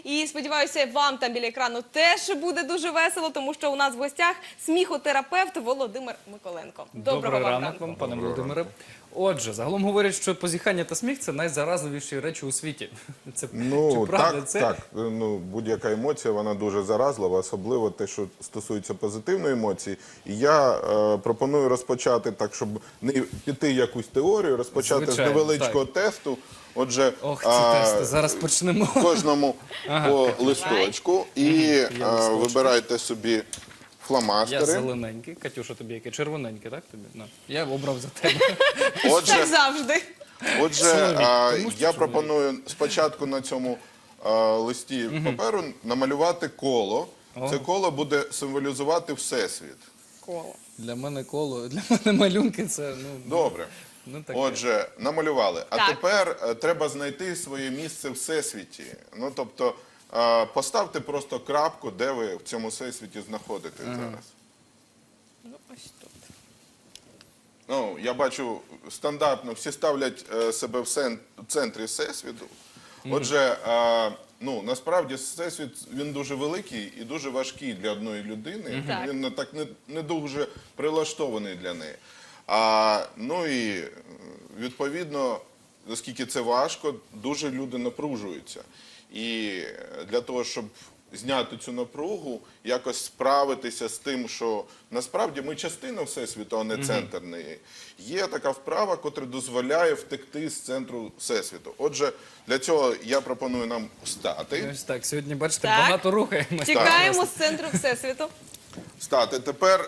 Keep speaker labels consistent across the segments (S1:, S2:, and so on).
S1: І сподіваюся, вам там біля екрану теж буде дуже весело, тому що у нас в гостях сміхотерапевт Володимир Миколенко. Доброго вам ранку.
S2: вам, пане Володимире. Отже, загалом говорять, що позіхання та сміх – це найзаразливіші речі у світі. Це, чи правда це?
S3: Так. Будь-яка емоція, вона дуже заразлива, особливо те, що стосується позитивної емоції. І я пропоную розпочати так, щоб не піти якусь теорію, розпочати
S2: Звичайно,
S3: з невеличкого тесту. Отже,
S2: Ох, ці тести, зараз почнемо.
S3: Кожному по листочку і вибирайте собі фломастери.
S2: Я зелененький. Катюша, тобі яке? Червоненьке, так? Тобі? На. Я обрав за тебе.
S1: Так завжди.
S3: Отже, я пропоную спочатку на цьому листі паперу намалювати коло. Це коло буде символізувати Всесвіт.
S1: Коло.
S2: Для мене коло, для мене малюнки – це…
S3: Добре.
S2: таке.
S3: Отже, намалювали. А
S1: Так.
S3: тепер треба знайти своє місце в Всесвіті. Ну, тобто, поставте просто крапку, де ви в цьому Всесвіті знаходитесь зараз.
S1: Ну, ось тут.
S3: Ну, я бачу, стандартно всі ставлять себе в центрі Всесвіту. Отже, насправді Всесвіт, він дуже великий і дуже важкий для одної людини. Він так не дуже прилаштований для неї. Ну і, відповідно, оскільки це важко, дуже люди напружуються. І для того, щоб зняти цю напругу, якось справитися з тим, що насправді ми частина Всесвіту, а не центр неї. Є така вправа, котра дозволяє втекти з центру Всесвіту. Отже, для цього я пропоную нам встати.
S2: Ось так, сьогодні, бачите,
S1: Так.
S2: багато рухаємося.
S1: Тікаємо з центру Всесвіту.
S3: Встати. Тепер,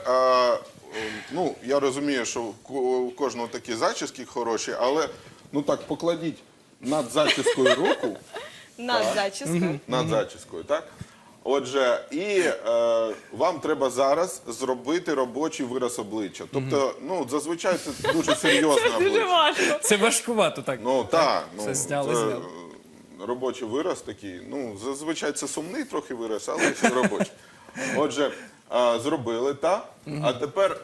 S3: я розумію, що у кожного такі зачіски хороші, але, покладіть над зачіскою руку.
S1: Над зачіскою.
S3: Над зачіскою, так? Отже, і вам треба зараз зробити робочий вираз обличчя. Тобто, зазвичай це дуже серйозне
S1: Дуже
S3: обличчя.
S1: важко.
S2: Це важкувато так.
S3: Це
S2: зняли.
S3: робочий вираз такий. Зазвичай це сумний трохи вираз, але це робочий. Отже, зробили, так? А тепер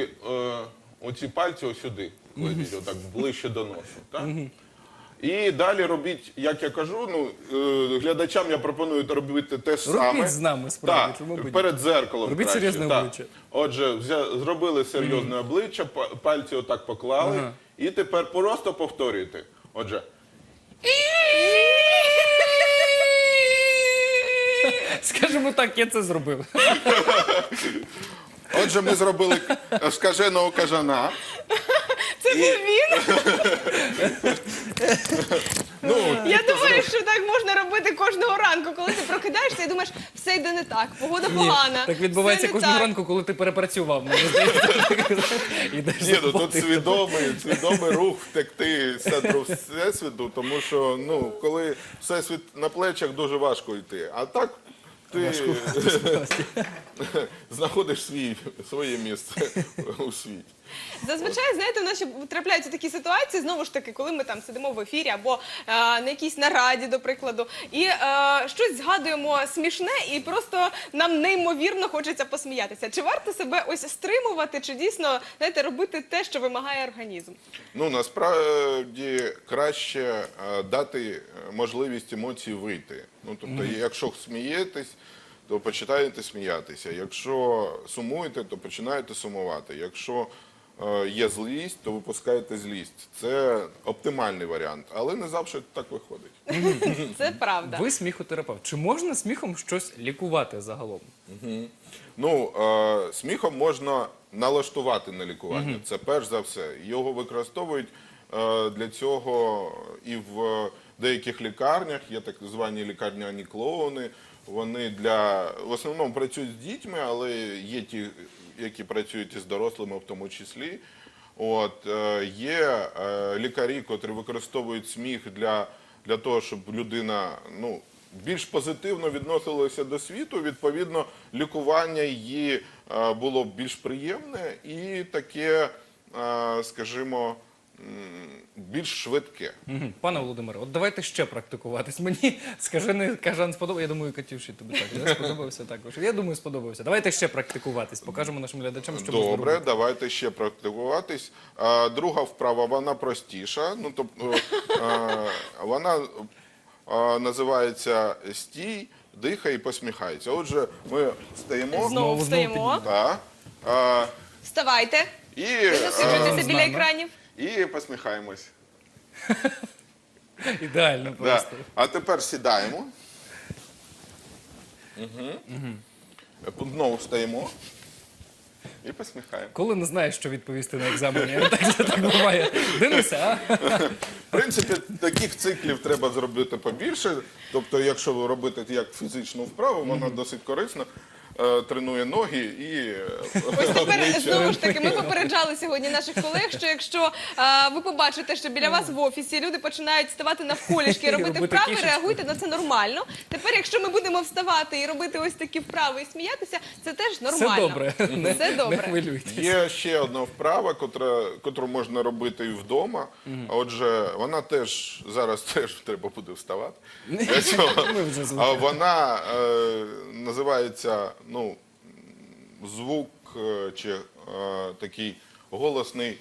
S3: оці пальці ось сюди кладіть, отак ближче до носу, так? І далі робіть, як я кажу, глядачам я пропоную робити те ж саме.
S2: Робіть з нами, справді, чому б ні?
S3: Так, перед дзеркалом
S2: Робіть
S3: краще.
S2: серйозне
S3: Так.
S2: обличчя.
S3: Отже, зробили серйозне обличчя, пальці отак поклали, і тепер просто повторюйте. Отже,
S2: Скажімо так, я це зробив.
S3: ми зробили скаженого кажана.
S1: Це був він? Я думаю, що так можна робити кожного ранку, коли ти прокидаєшся і думаєш, все йде не так, погода погана.
S2: Так відбувається
S1: все не
S2: кожного
S1: так.
S2: ранку, коли ти перепрацював. Мені здається, ідеш
S3: Ні, тут
S2: заплатити.
S3: свідомий рух втекти з центру Всесвіту, тому що, коли Всесвіт на плечах, дуже важко йти. А так ти знаходиш своє місце у світі.
S1: Зазвичай, знаєте, у нас ще трапляються такі ситуації, знову ж таки, коли ми там сидимо в ефірі або на якійсь нараді, до прикладу, і щось згадуємо смішне, і просто нам неймовірно хочеться посміятися. Чи варто себе ось стримувати, чи дійсно, знаєте, робити те, що вимагає організм?
S3: Насправді краще дати можливість емоцій вийти. Тобто, якщо смієтесь, то починаєте сміятися. Якщо сумуєте, то починаєте сумувати. Якщо є злість, то випускаєте злість. Це оптимальний варіант, але не завжди так виходить.
S1: Це правда.
S2: Ви сміхотерапевт. Чи можна сміхом щось лікувати загалом?
S3: Сміхом можна налаштувати на лікування. Це перш за все. Його використовують для цього і в деяких лікарнях, є так звані лікарняні клоуни. Вони в основному працюють з дітьми, але є ті, які працюють із дорослими в тому числі. Є лікарі, котрі використовують сміх для того, щоб людина більш позитивно відносилася до світу. Відповідно, лікування її було більш приємне і таке, скажімо, більш швидке.
S2: Пане Володимире, от давайте ще практикуватись. Мені скажений кажан сподобався. Я думаю, Катюші тобі так сподобався також. Я думаю, сподобався. Давайте ще практикуватись. Покажемо нашим глядачам, що можна
S3: Добре,
S2: робити.
S3: давайте ще практикуватись. Друга вправа, вона простіша. Вона називається «Стій, дихай і посміхайся». Отже, ми стаємо.
S1: Знову встаємо.
S3: Так. А,
S1: Вставайте.
S3: і,
S1: Засиджуйтеся
S2: з
S1: біля
S2: нами.
S1: екранів.
S3: і посміхаємось.
S2: Ідеально
S3: Да.
S2: просто.
S3: А тепер сідаємо. Знову встаємо. І посміхаємо.
S2: Коли не знаєш, що відповісти на екзамені, так буває. Денисе, а?
S3: В принципі, таких циклів треба зробити побільше. Тобто, якщо ви робите як фізичну вправу, вона досить корисна, тренує ноги і
S1: Ось тепер знову ж таки ми попереджали сьогодні наших колег, що якщо ви побачите, що біля вас в офісі люди починають ставати навколішки і робити
S2: Робити
S1: вправи,
S2: кішечку.
S1: реагуйте на це нормально. Тепер, якщо ми будемо вставати і робити ось такі вправи і сміятися, це теж нормально.
S2: Все добре. Не,
S1: Все добре.
S2: Не хвилюйтесь.
S3: є ще одна вправа, котру можна робити і вдома. Отже, вона теж зараз теж треба буде вставати. Для цього.
S2: Ми вже
S3: А
S2: звикли.
S3: вона називається звук чи такий голосний.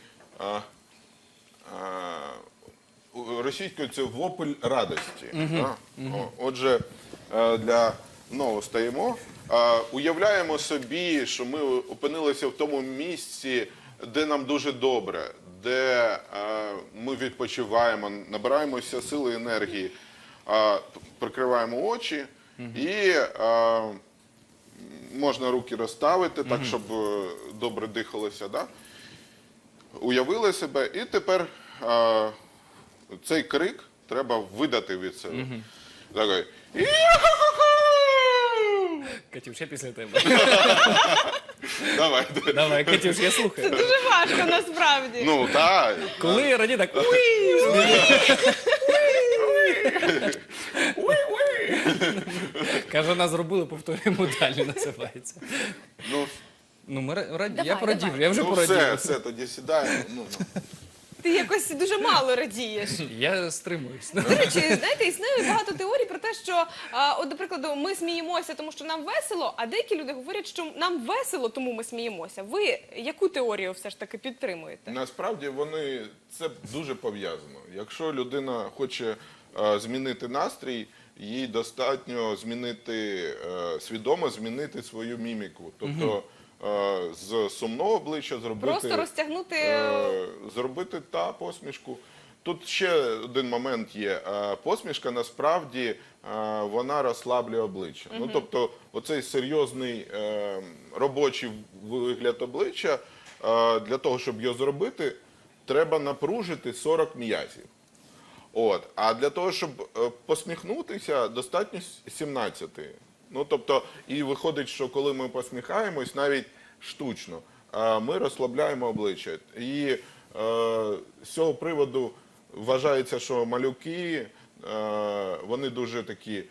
S3: Російською це вопль радості. Отже, знову стаємо. Уявляємо собі, що ми опинилися в тому місці, де нам дуже добре, де ми відпочиваємо, набираємося сили і енергії, прикриваємо очі і можна руки розставити так, щоб добре дихалося. Да? Уявили себе, і тепер цей крик треба видати від себе. Такий.
S2: Катюш, я після тебе.
S3: Давай.
S2: Давай, Катюш, я слухаю.
S1: Дуже важко насправді.
S3: Ну, так.
S2: Коли раді так. Каже, нас зробили, повторюємо далі, називається.
S3: Ну,
S2: Ну, ми раді,
S1: Давай,
S2: я порадів,
S1: давай.
S2: я вже
S3: все,
S2: порадів.
S3: все, тоді сідаємо.
S1: Ти якось дуже мало радієш.
S2: Я стримуюсь.
S1: До речі, знаєте, існує багато теорій про те, що, от, до прикладу, ми сміємося, тому що нам весело, а деякі люди говорять, що нам весело, тому ми сміємося. Ви яку теорію все ж таки підтримуєте?
S3: Насправді це дуже пов'язано. Якщо людина хоче змінити настрій, їй достатньо свідомо змінити свою міміку. Тобто з сумного обличчя
S1: Просто розтягнути
S3: зробити посмішку. Тут ще один момент є. Посмішка насправді вона розслаблює обличчя. Ну, тобто оцей серйозний робочий вигляд обличчя, для того, щоб його зробити, треба напружити 40 м'язів. А для того, щоб посміхнутися, достатньо 17. Ну, тобто, і виходить, що коли ми посміхаємось, навіть штучно, ми розслабляємо обличчя. І з цього приводу вважається, що малюки, вони дуже такі,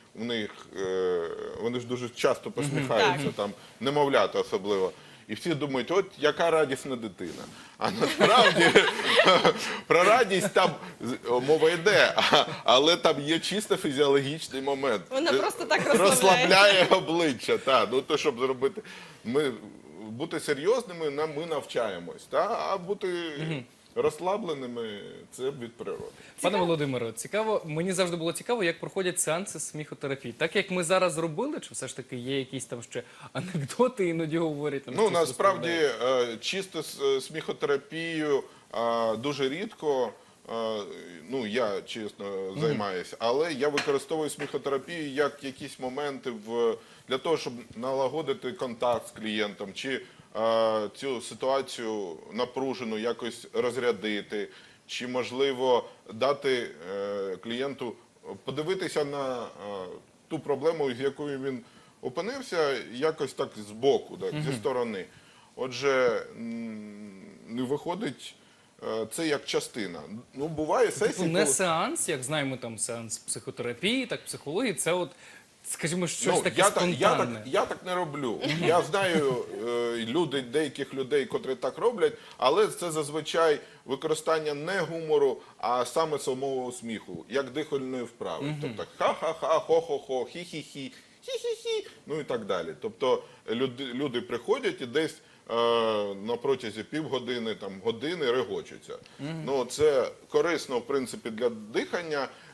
S3: вони ж дуже часто посміхаються, там, немовлята особливо. І всі думають, от яка радісна дитина. А насправді про радість там мова йде, але там є чисто фізіологічний момент.
S1: Вона просто так розслабляється.
S3: Розслабляє обличчя. Ну, то, щоб зробити, бути серйозними, ми навчаємось. А бути розслабленими – це від природи.
S2: Пане Володимире, цікаво, мені завжди було цікаво, як проходять сеанси сміхотерапії. Так, як ми зараз зробили, чи все ж таки є якісь там ще анекдоти іноді говорять? Там,
S3: Ну,
S2: щось
S3: насправді,
S2: розповідають?
S3: чисто сміхотерапією дуже рідко, ну, я, чесно, займаюся, але я використовую сміхотерапію як якісь моменти для того, щоб налагодити контакт з клієнтом, чи цю ситуацію напружену якось розрядити, чи, можливо, дати клієнту подивитися на ту проблему, з якою він опинився, якось так збоку, зі сторони. Отже, не виходить це як частина. Ну, буває
S2: Типу
S3: сесії,
S2: не
S3: коли...
S2: сеанс, як знаємо, там сеанс психотерапії, так психології, це от, скажімо, щось таке
S3: я
S2: спонтанне.
S3: я так не роблю. Я знаю деяких людей, котрі так роблять, але це зазвичай використання не гумору, а саме самого сміху, як дихальної вправи. Тобто ха-ха-ха, хо-хо-хо, хі-хі-хі, хі-хі-хі, ну і так далі. Тобто люди приходять і десь на протязі півгодини, години регочуться. Ну, це корисно, в принципі, для дихання.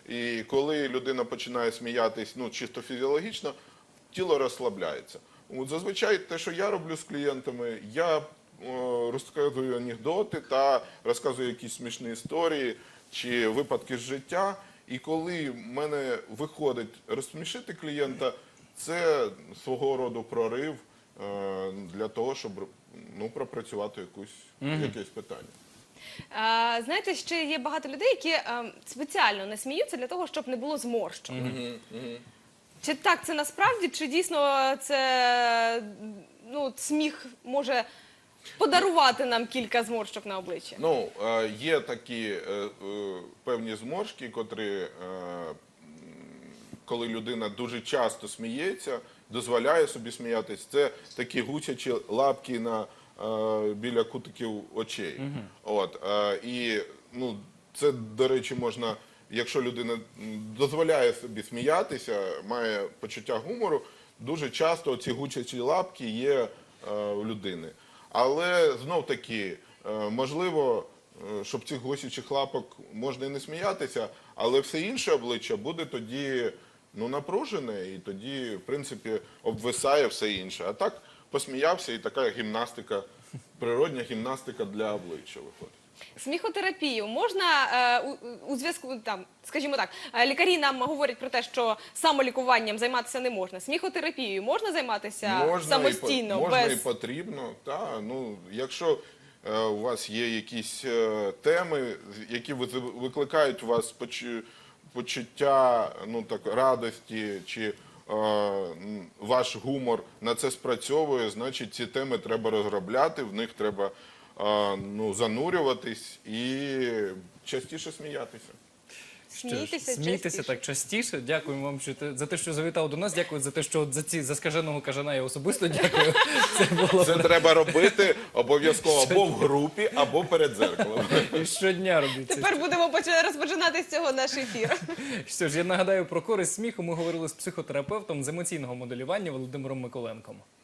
S3: І коли людина починає сміятись, ну, чисто фізіологічно, тіло розслабляється. От зазвичай те, що я роблю з клієнтами, я розказую анекдоти та розказую якісь смішні історії чи випадки з життя. І коли в мене виходить розсмішити клієнта, це свого роду прорив для того, щоб ну, пропрацювати якесь питання.
S1: Знаєте, ще є багато людей, які спеціально не сміються для того, щоб не було зморщок. Чи так це насправді, чи дійсно це ну, сміх може подарувати нам кілька зморщок на обличчі?
S3: Ну, є такі певні зморшки, котрі, коли людина дуже часто сміється, дозволяє собі сміятись, це такі гусячі лапки біля кутиків очей. От, і ну, це, до речі, можна, якщо людина дозволяє собі сміятися, має почуття гумору, дуже часто ці гусячі лапки є у людини. Але знов-таки, можливо, щоб цих гусячих лапок можна і не сміятися, але все інше обличчя буде тоді ну, напружене, і тоді, в принципі, обвисає все інше. А так посміявся, і така гімнастика, природня гімнастика для обличчя виходить.
S1: Сміхотерапію можна у зв'язку, там, скажімо так, лікарі нам говорять про те, що самолікуванням займатися не можна. Сміхотерапією можна займатися самостійно?
S3: Можна
S1: без...
S3: і потрібно. Та, ну, якщо у вас є якісь теми, які викликають у вас почуття ну, так, радості, чи ваш гумор на це спрацьовує, значить ці теми треба розробляти, в них треба ну, занурюватись і частіше сміятися.
S1: Смійтеся
S2: так частіше. Дякуємо вам за те, що завітав до нас. Дякую за те, що за скаженого кажана я особисто дякую.
S3: Це треба робити обов'язково або в групі, або перед дзеркалом.
S2: І щодня робіть це.
S1: Тепер будемо розпочинати з цього наш ефір.
S2: Що ж, я нагадаю про користь сміху. Ми говорили з психотерапевтом з емоційного моделювання Володимиром Миколенком.